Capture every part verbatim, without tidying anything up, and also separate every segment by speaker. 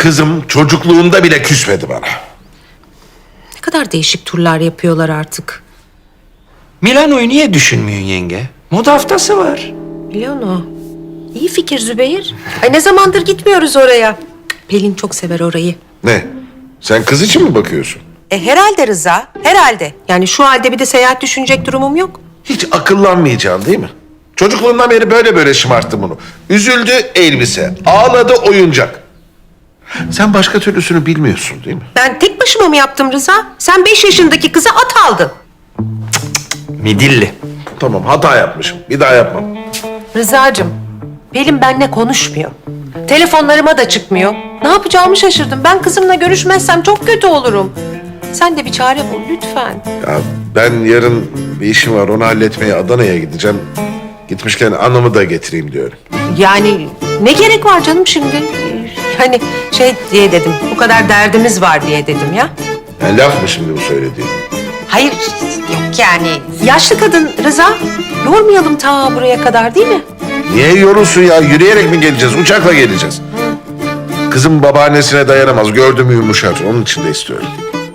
Speaker 1: Kızım çocukluğunda bile küsmedi bana.
Speaker 2: Ne kadar değişik turlar yapıyorlar artık.
Speaker 3: Milano'yu niye düşünmüyorsun yenge? Moda haftası var.
Speaker 2: Milano. İyi fikir Zübeyir. Ay ne zamandır gitmiyoruz oraya. Pelin çok sever orayı.
Speaker 1: Ne? Sen kız için mi bakıyorsun?
Speaker 2: E herhalde Rıza, herhalde. Yani şu halde bir de seyahat düşünecek durumum yok.
Speaker 1: Hiç akıllanmayacaksın değil mi? Çocukluğundan beri böyle böyle şımarttım bunu. Üzüldü elbise, ağladı oyuncak. Sen başka türlüsünü bilmiyorsun değil mi?
Speaker 2: Ben tek başıma mı yaptım Rıza? Sen beş yaşındaki kıza at aldın.
Speaker 3: Midilli.
Speaker 1: Tamam hata yapmışım. Bir daha yapmam.
Speaker 2: Rıza'cığım, Pelin benimle konuşmuyor. Telefonlarıma da çıkmıyor. Ne yapacağımı şaşırdım. Ben kızımla görüşmezsem çok kötü olurum. Sen de bir çare bul lütfen.
Speaker 1: Ya ben yarın bir işim var. Onu halletmeye Adana'ya gideceğim. Gitmişken anamı da getireyim diyorum.
Speaker 2: Yani ne gerek var canım şimdi? Yani şey diye dedim, bu kadar derdimiz var diye dedim ya.
Speaker 1: Yani laf mı şimdi bu söylediğin?
Speaker 2: Hayır, yok yani. Yaşlı kadın Rıza, yormayalım ta buraya kadar değil mi?
Speaker 1: Niye yorulsun ya? Yürüyerek mi geleceğiz? Uçakla geleceğiz. Kızım babaannesine dayanamaz. Gördüm yumuşar. Onun için de istiyorum.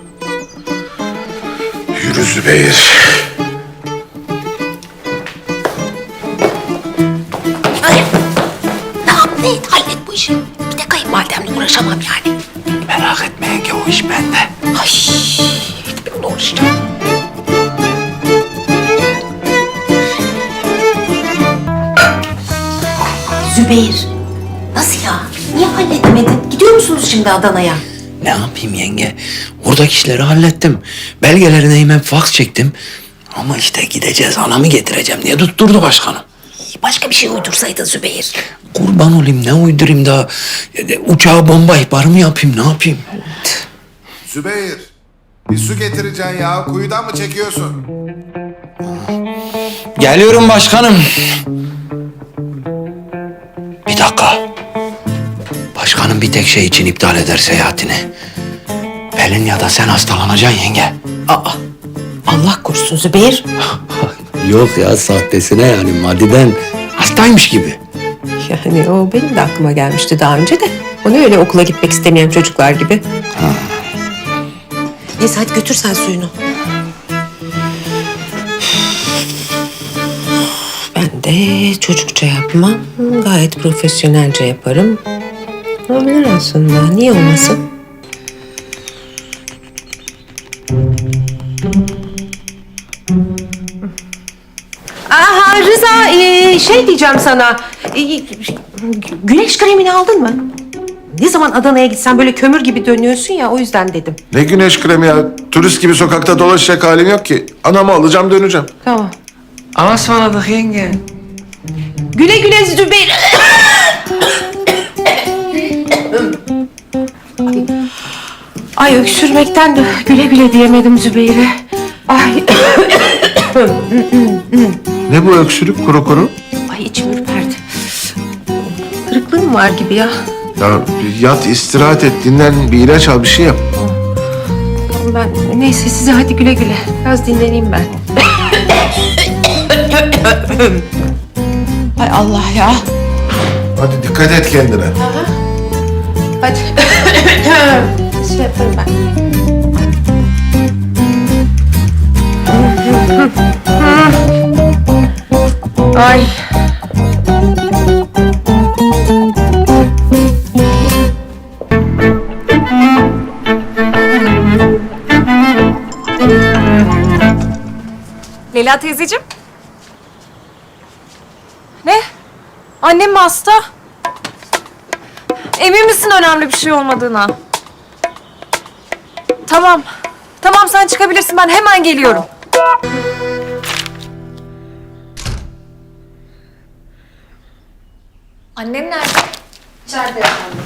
Speaker 1: Yürü Zübeyir.
Speaker 2: Ay, ne yap ne et, hallet bu işi. Bir de kayınvalidemle uğraşamam yani.
Speaker 3: Merak etme yenge, o iş bende.
Speaker 2: Ay, hiç ben onunla uğraşacağım. Zübeyir, nasıl ya? Niye halledemedin? Gidiyor musunuz şimdi Adana'ya?
Speaker 3: Ne yapayım yenge? Oradaki işleri hallettim. Belgelerine hemen faks çektim. Ama işte gideceğiz, anamı getireceğim diye tutturdu başkanım.
Speaker 2: Başka bir şey uydursaydın Zübeyir.
Speaker 3: Kurban olayım, ne uydurayım da uçağa bomba ihbarı mı yapayım, ne yapayım?
Speaker 4: Zübeyir, bir su getireceksin ya. Kuyudan mı çekiyorsun?
Speaker 3: Geliyorum başkanım. Bir dakika. Başkanım bir tek şey için iptal eder seyahatini. Pelin ya da sen hastalanacaksın yenge.
Speaker 2: Aa, Allah korusun Zübeyir.
Speaker 3: Yok ya, sahtesine yani, maddeden hastaymış gibi.
Speaker 2: Yani o benim de aklıma gelmişti daha önce de. O ne öyle okula gitmek istemeyen çocuklar gibi.
Speaker 3: Ha.
Speaker 2: Neyse hadi götür sen suyunu. Ben de çocukça yapmam. Gayet profesyonelce yaparım. Olabilir aslında. Niye olmasın? Aha Rıza, ee, şey diyeceğim sana. Ee, güneş kremini aldın mı? Ne zaman Adana'ya gitsen böyle kömür gibi dönüyorsun ya, o yüzden dedim.
Speaker 1: Ne güneş kremi ya? Turist gibi sokakta dolaşacak halim yok ki. Anamı alacağım döneceğim.
Speaker 2: Tamam.
Speaker 3: Ama ısmarladık yenge.
Speaker 2: Güle güle Zübeyir. Ay öksürmekten de güle güle diyemedim Zübeyir'e. Ay.
Speaker 1: Ne bu öksürük kuru kuru?
Speaker 2: Ay içim ürperdi. Kırıklığım var gibi ya.
Speaker 1: Ya bir yat, istirahat et, dinlen, bir ilaç al, bir şey yap.
Speaker 2: Ben neyse size hadi güle güle. Biraz dinleneyim ben. Ay Allah ya.
Speaker 1: Hadi dikkat et kendine.
Speaker 2: Hadi. Şey yaparım ben. Ay.
Speaker 5: Leyla teyzeciğim. Ne? Annem mi hasta? Emin misin önemli bir şey olmadığına? Tamam. Tamam sen çıkabilirsin, ben hemen geliyorum. Annem nerede? İçeride efendim.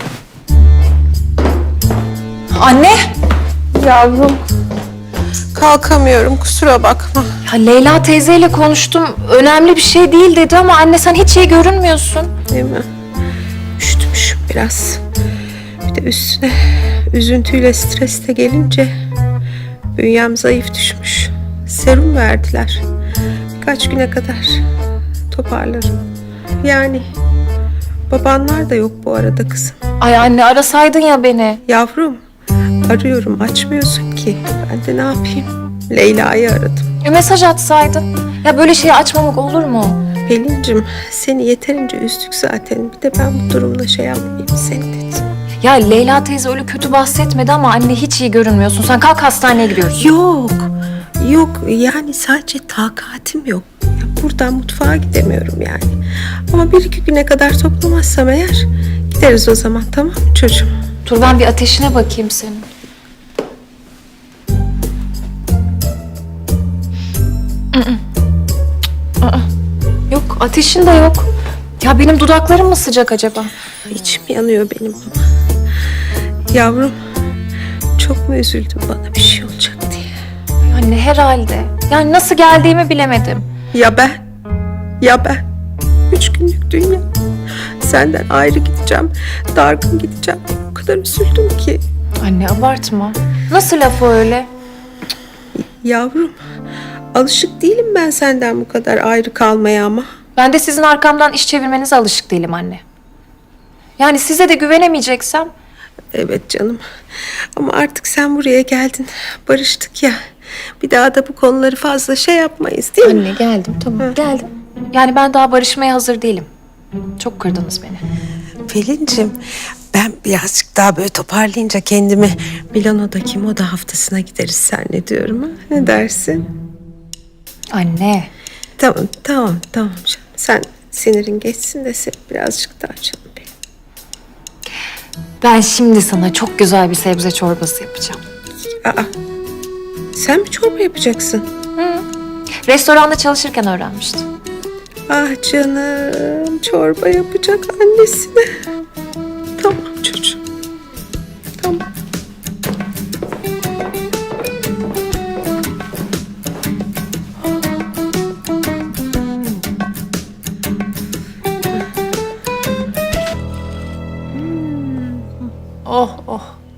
Speaker 5: Anne!
Speaker 2: Yavrum. Kalkamıyorum, kusura bakma.
Speaker 5: Ya Leyla teyzeyle konuştum. Önemli bir şey değil dedi ama anne sen hiç iyi görünmüyorsun.
Speaker 2: Değil mi? Üşütmüşüm biraz. Bir de üstüne üzüntüyle stres de gelince bünyem zayıf düşmüş. Serum verdiler. Birkaç güne kadar toparlarım. Yani Babanlar da yok bu arada kızım.
Speaker 5: Ay anne arasaydın ya beni.
Speaker 2: Yavrum, arıyorum açmıyorsun ki. Ben de ne yapayım? Leyla'yı aradım.
Speaker 5: E, mesaj atsaydın. Ya böyle şeyi açmamak olur mu?
Speaker 2: Pelin'cim seni yeterince üzdük zaten. Bir de ben bu durumla şey yapmayayım seni dedim.
Speaker 5: Ya Leyla teyze öyle kötü bahsetmedi ama anne hiç iyi görünmüyorsun. Sen kalk hastaneye gidiyoruz.
Speaker 2: Yok, yok yani sadece takatim yok. Ya buradan mutfağa gidemiyorum yani. Ama bir iki güne kadar toplamazsam eğer gideriz o zaman, tamam mı çocuğum?
Speaker 5: Dur ben bir ateşine bakayım senin. Mm-mm. Aa, yok ateşin de yok. Ya benim dudaklarım mı sıcak acaba?
Speaker 2: İçim yanıyor benim ama. Yavrum, çok mu üzüldün bana bir şey olacak diye?
Speaker 5: Anne herhalde. Yani nasıl geldiğimi bilemedim.
Speaker 2: Ya ben? Ya ben? Üç günlük dünya. Senden ayrı gideceğim, dargın gideceğim. O kadar üzüldüm ki.
Speaker 5: Anne abartma. Nasıl laf o öyle?
Speaker 2: Yavrum, alışık değilim ben senden bu kadar ayrı kalmaya ama.
Speaker 5: Ben de sizin arkamdan iş çevirmenize alışık değilim anne. Yani size de güvenemeyeceksem.
Speaker 2: Evet canım. Ama artık sen buraya geldin. Barıştık ya. Bir daha da bu konuları fazla şey yapmayız değil mi?
Speaker 5: Anne geldim tamam geldim. Yani ben daha barışmaya hazır değilim. Çok kırdınız beni.
Speaker 2: Pelin'cim ben birazcık daha böyle toparlayınca kendimi Milano'daki moda haftasına gideriz seninle diyorum ha. Ne dersin?
Speaker 5: Anne.
Speaker 2: Tamam tamam tamam canım. Sen sinirin geçsin de sen birazcık daha canım benim.
Speaker 5: Ben şimdi sana çok güzel bir sebze çorbası yapacağım.
Speaker 2: Aa, sen mi çorba yapacaksın?
Speaker 5: Restoranda çalışırken öğrenmiştim.
Speaker 2: Ah canım, çorba yapacak annesine. Tamam çocuğum. Tamam.
Speaker 5: Oh oh.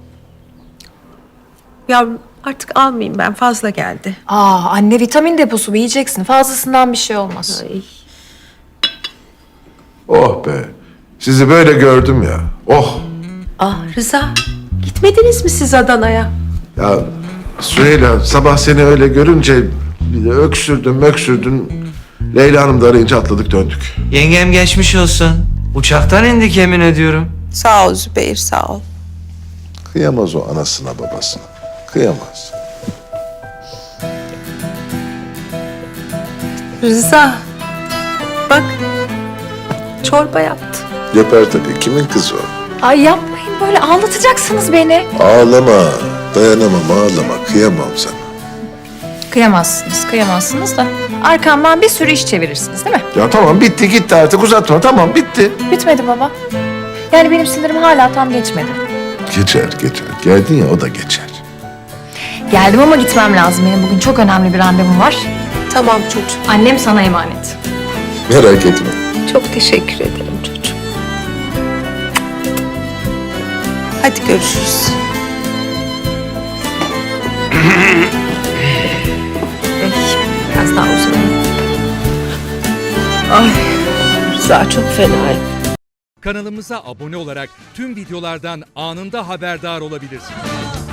Speaker 2: Yavrum artık almayayım ben, fazla geldi.
Speaker 5: Aa anne vitamin deposu bu yiyeceksin. Fazlasından bir şey olmaz.
Speaker 2: Ay.
Speaker 1: Oh be. Sizi böyle gördüm ya. Oh.
Speaker 2: Ah Rıza, gitmediniz mi siz Adana'ya?
Speaker 1: Ya Süheyla sabah seni öyle görünce bir de öksürdün öksürdün. Leyla Hanım da arayınca atladık döndük.
Speaker 3: Yengem geçmiş olsun. Uçaktan indik yemin ediyorum.
Speaker 2: Sağ ol Zübeyir, sağ ol.
Speaker 1: Kıyamaz o anasına babasına. Kıyamaz.
Speaker 2: Rıza, bak çorba yaptı.
Speaker 1: Yapar tabii. Kimin kızı o?
Speaker 5: Ay yapmayın böyle ağlatacaksınız beni.
Speaker 1: Ağlama. Dayanamam ağlama. Kıyamam sana.
Speaker 5: Kıyamazsınız kıyamazsınız da arkamdan bir sürü iş çevirirsiniz değil mi?
Speaker 1: Ya tamam bitti gitti artık uzatma. Tamam bitti.
Speaker 5: Bitmedi baba. Yani benim sinirim hala tam geçmedi.
Speaker 1: Geçer geçer. Geldin ya o da geçer.
Speaker 5: Geldim ama gitmem lazım. Benim bugün çok önemli bir randevum var.
Speaker 2: Tamam çocuğum.
Speaker 5: Annem sana emanet.
Speaker 1: Merak etme.
Speaker 2: Çok teşekkür ederim çocuğum. Hadi görüşürüz. Ay, biraz daha uzanayım. Ay, Rıza çok fena.
Speaker 6: Kanalımıza abone olarak tüm videolardan anında haberdar olabilirsiniz.